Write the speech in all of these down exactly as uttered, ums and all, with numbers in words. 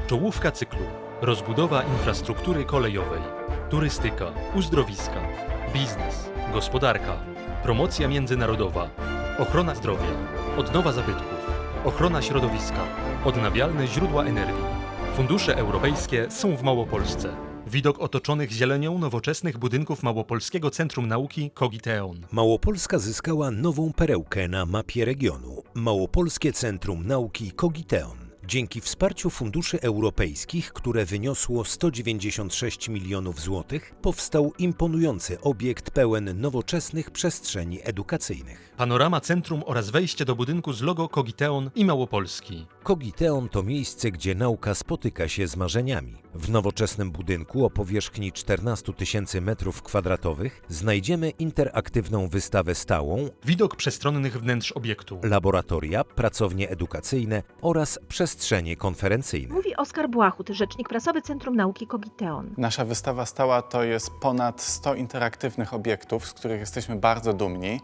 Czołówka cyklu. Rozbudowa infrastruktury kolejowej. Turystyka, uzdrowiska, biznes, gospodarka, promocja międzynarodowa, ochrona zdrowia, odnowa zabytków, ochrona środowiska, odnawialne źródła energii. Fundusze europejskie są w Małopolsce. Widok otoczonych zielenią nowoczesnych budynków Małopolskiego Centrum Nauki Kogiteon. Małopolska zyskała nową perełkę na mapie regionu. Małopolskie Centrum Nauki Kogiteon. Dzięki wsparciu funduszy europejskich, które wyniosło sto dziewięćdziesiąt sześć milionów złotych, powstał imponujący obiekt pełen nowoczesnych przestrzeni edukacyjnych. Panorama centrum oraz wejście do budynku z logo Kogiteon i Małopolski. Kogiteon to miejsce, gdzie nauka spotyka się z marzeniami. W nowoczesnym budynku o powierzchni czternastu tysięcy metrów kwadratowych znajdziemy interaktywną wystawę stałą, Widok przestronnych wnętrz obiektu. laboratoria, pracownie edukacyjne oraz przestrzenie konferencyjne. Mówi Oskar Błachut, rzecznik prasowy Centrum Nauki Kogiteon. Nasza wystawa stała to jest ponad sto interaktywnych obiektów, z których jesteśmy bardzo dumni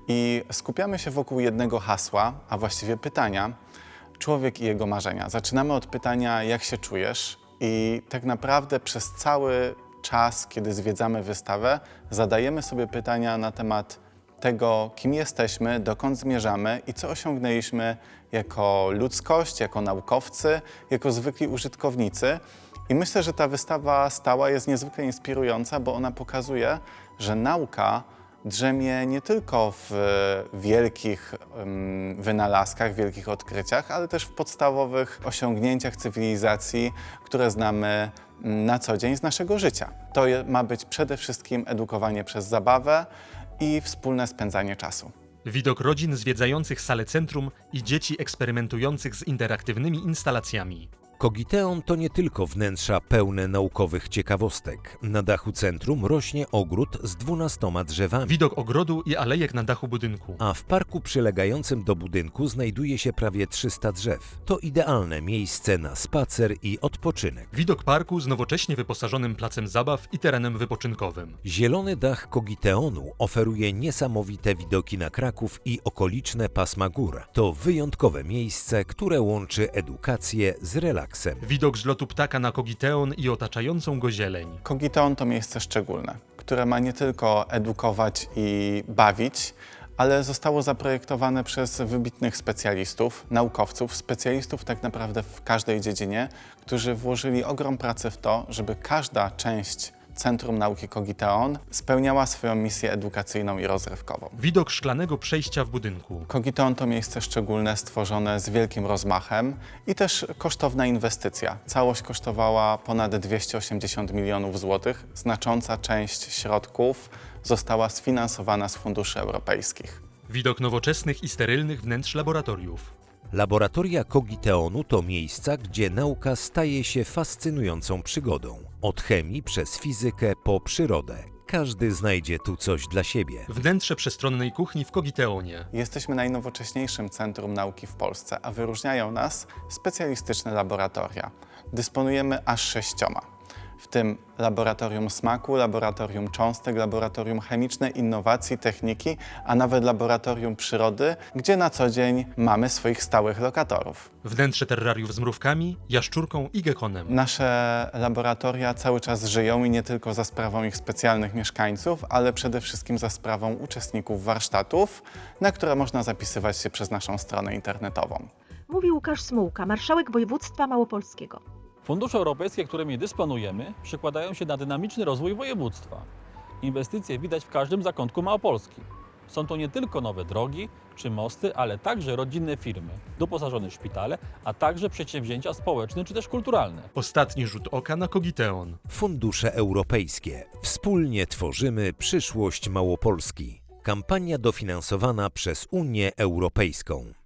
i skupiamy się wokół jednego hasła, a właściwie pytania: człowiek i jego marzenia. Zaczynamy od pytania, jak się czujesz, i tak naprawdę przez cały czas, kiedy zwiedzamy wystawę, zadajemy sobie pytania na temat tego, kim jesteśmy, dokąd zmierzamy i co osiągnęliśmy jako ludzkość, jako naukowcy, jako zwykli użytkownicy. I myślę, że ta wystawa stała jest niezwykle inspirująca, bo ona pokazuje, że nauka drzemie nie tylko w wielkich um, wynalazkach, wielkich odkryciach, ale też w podstawowych osiągnięciach cywilizacji, które znamy na co dzień z naszego życia. To je, ma być przede wszystkim edukowanie przez zabawę i wspólne spędzanie czasu. Widok rodzin zwiedzających salę centrum i dzieci eksperymentujących z interaktywnymi instalacjami. Kogiteon to nie tylko wnętrza pełne naukowych ciekawostek. Na dachu centrum rośnie ogród z dwunastoma drzewami, Widok ogrodu i alejek na dachu budynku. a w parku przylegającym do budynku znajduje się prawie trzysta drzew. To idealne miejsce na spacer i odpoczynek. Widok parku z nowocześnie wyposażonym placem zabaw i terenem wypoczynkowym. Zielony dach Kogiteonu oferuje niesamowite widoki na Kraków i okoliczne pasma gór. To wyjątkowe miejsce, które łączy edukację z relaksem. Widok z lotu ptaka na Kogiteon i otaczającą go zieleń. Kogiteon to miejsce szczególne, które ma nie tylko edukować i bawić, ale zostało zaprojektowane przez wybitnych specjalistów, naukowców, specjalistów tak naprawdę w każdej dziedzinie, którzy włożyli ogrom pracy w to, żeby każda część Centrum Nauki Kogiteon spełniała swoją misję edukacyjną i rozrywkową. Widok szklanego przejścia w budynku. Kogiteon to miejsce szczególne, stworzone z wielkim rozmachem i też kosztowna inwestycja. Całość kosztowała ponad dwieście osiemdziesiąt milionów złotych. Znacząca część środków została sfinansowana z funduszy europejskich. Widok nowoczesnych i sterylnych wnętrz laboratoriów. Laboratoria Kogiteonu to miejsca, gdzie nauka staje się fascynującą przygodą. Od chemii przez fizykę po przyrodę. Każdy znajdzie tu coś dla siebie. Wnętrze przestronnej kuchni w Kogiteonie. Jesteśmy najnowocześniejszym centrum nauki w Polsce, a wyróżniają nas specjalistyczne laboratoria. Dysponujemy aż sześcioma, w tym laboratorium smaku, laboratorium cząstek, laboratorium chemiczne, innowacji, techniki, a nawet laboratorium przyrody, gdzie na co dzień mamy swoich stałych lokatorów. Wnętrze terrariów z mrówkami, jaszczurką i gekonem. Nasze laboratoria cały czas żyją i nie tylko za sprawą ich specjalnych mieszkańców, ale przede wszystkim za sprawą uczestników warsztatów, na które można zapisywać się przez naszą stronę internetową. Mówi Łukasz Smułka, marszałek województwa małopolskiego. Fundusze europejskie, którymi dysponujemy, przekładają się na dynamiczny rozwój województwa. Inwestycje widać w każdym zakątku Małopolski. Są to nie tylko nowe drogi czy mosty, ale także rodzinne firmy, doposażone szpitale, a także przedsięwzięcia społeczne czy też kulturalne. Ostatni rzut oka na Kogiteon. Fundusze europejskie. Wspólnie tworzymy przyszłość Małopolski. Kampania dofinansowana przez Unię Europejską.